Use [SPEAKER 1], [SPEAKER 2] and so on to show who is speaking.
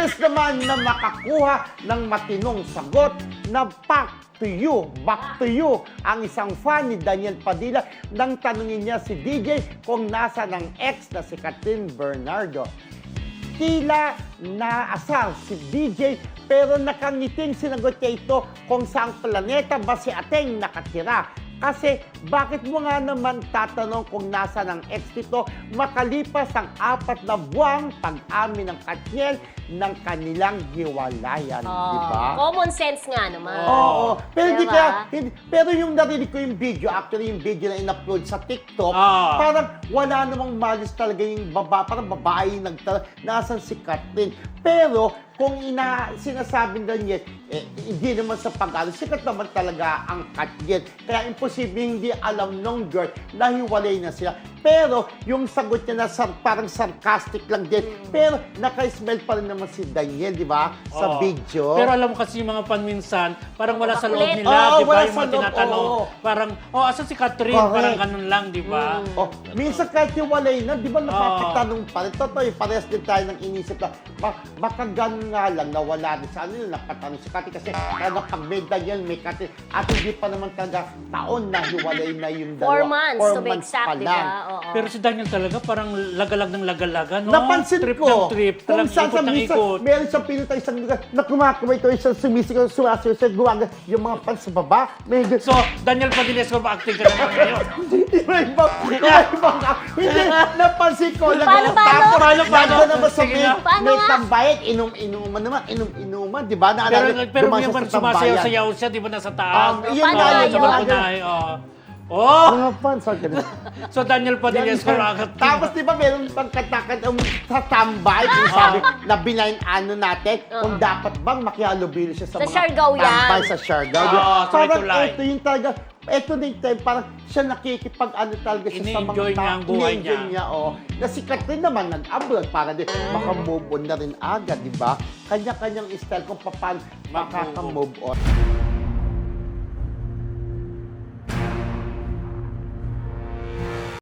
[SPEAKER 1] Imbes naman na makakuha ng matinong sagot na back to you ang isang fan ni Daniel Padilla nang tanungin niya si DJ kung nasa ng ex na si Catherine Bernardo. Tila naasar si DJ pero nakangiting sinagot niya ito kung saang planeta ba si Ateng nakatira. Kasi bakit mo nga naman tatanong kung nasa ng ex nito makalipas ang 4 na buwang pag-amin ng Katniel ng kanilang hiwalayan, di ba?
[SPEAKER 2] Common sense nga naman.
[SPEAKER 1] Oo. Pero di
[SPEAKER 2] Diba?
[SPEAKER 1] kaya, pero yung narinig ko yung video, actually yung video na in-upload sa TikTok, parang wala namang malis talaga yung parang babae yung nasan si Catherine. Pero kung sinasabi na niya, hindi naman sa pag-alo, sikat naman talaga ang Catherine. Kaya imposible hindi alam nung girl na hiwalay na sila. Pero yung sagot niya na parang sarcastic lang din. Pero naka-smell pa rin naman si Daniel, di ba? Sa video.
[SPEAKER 3] Pero alam mo kasi yung mga panminsan, parang wala sa loob
[SPEAKER 2] Makulit.
[SPEAKER 3] nila, di ba?
[SPEAKER 1] Wala
[SPEAKER 3] Yung
[SPEAKER 1] sa
[SPEAKER 3] mga
[SPEAKER 1] loob,
[SPEAKER 3] tinatanong, parang, asan si Catherine?
[SPEAKER 1] Correct.
[SPEAKER 3] Parang ganun lang, di ba?
[SPEAKER 1] Minsan kahit hiwalay na, di ba napapatanong pa rin. Totoo, parehas din tayo ng inisip na baka ganun nga lang, nawala din sa ano, napatanong si Catherine kasi talaga pag may Daniel, may Catherine, at hindi pa naman talaga taon na hiwalay na yung
[SPEAKER 2] 4
[SPEAKER 1] dalawa.
[SPEAKER 2] months,
[SPEAKER 1] 4
[SPEAKER 2] to be
[SPEAKER 1] months
[SPEAKER 2] exact,
[SPEAKER 1] pa
[SPEAKER 2] di
[SPEAKER 1] lang.
[SPEAKER 2] ba? Oo.
[SPEAKER 3] Pero si Daniel talaga parang lagalag ng lagalaga, no?
[SPEAKER 1] Napansin
[SPEAKER 3] trip
[SPEAKER 1] ko,
[SPEAKER 3] ng trip,
[SPEAKER 1] kung
[SPEAKER 3] talagang
[SPEAKER 1] saan
[SPEAKER 3] ikot
[SPEAKER 1] sa
[SPEAKER 3] ng
[SPEAKER 1] minsan,
[SPEAKER 3] ikot.
[SPEAKER 1] meron siyang pinutay isang lugar na kumakamay ito, isang sumisigaw, sumasayaw, guwaga, yung mga fans sa baba, may
[SPEAKER 3] So, Daniel Padilla, so acting ka naman ngayon.
[SPEAKER 1] Hindi, napansin ko lang.
[SPEAKER 2] Paano?
[SPEAKER 1] Paano naman sa
[SPEAKER 3] Sige
[SPEAKER 1] may,
[SPEAKER 3] nga.
[SPEAKER 2] Paano
[SPEAKER 1] may
[SPEAKER 2] nga?
[SPEAKER 1] tambayan, inuman naman, inuman, di ba?
[SPEAKER 3] Pero yung sumasayaw-sayaw siya, di ba, nasa taas?
[SPEAKER 1] Yun
[SPEAKER 2] Paano
[SPEAKER 1] nga,
[SPEAKER 2] nga
[SPEAKER 1] yun
[SPEAKER 2] yun?
[SPEAKER 1] nga.
[SPEAKER 3] Oh!
[SPEAKER 1] Mga fans, ang ganun.
[SPEAKER 3] So, Daniel Padilla, so acting.
[SPEAKER 1] Tapos di ba meron pang katakan sa tambay, kung sabi na binayin ano natin, kung dapat bang makihalubilo siya sa
[SPEAKER 2] Sa
[SPEAKER 1] mga
[SPEAKER 2] Siargao yan.
[SPEAKER 1] tambay sa Siargao.
[SPEAKER 3] Oo, sa may
[SPEAKER 1] Parang
[SPEAKER 3] tulay.
[SPEAKER 1] ito yung talaga, ito din tayo, parang siya nakikipag-ano talaga siya sa mga
[SPEAKER 3] Ini-enjoy niya ang buhay
[SPEAKER 1] ini-enjoy
[SPEAKER 3] niya.
[SPEAKER 1] Na si Catherine naman nag-abroad para din maka-move on na rin agad, di ba? Kanya-kanyang style kung paano makaka-move on.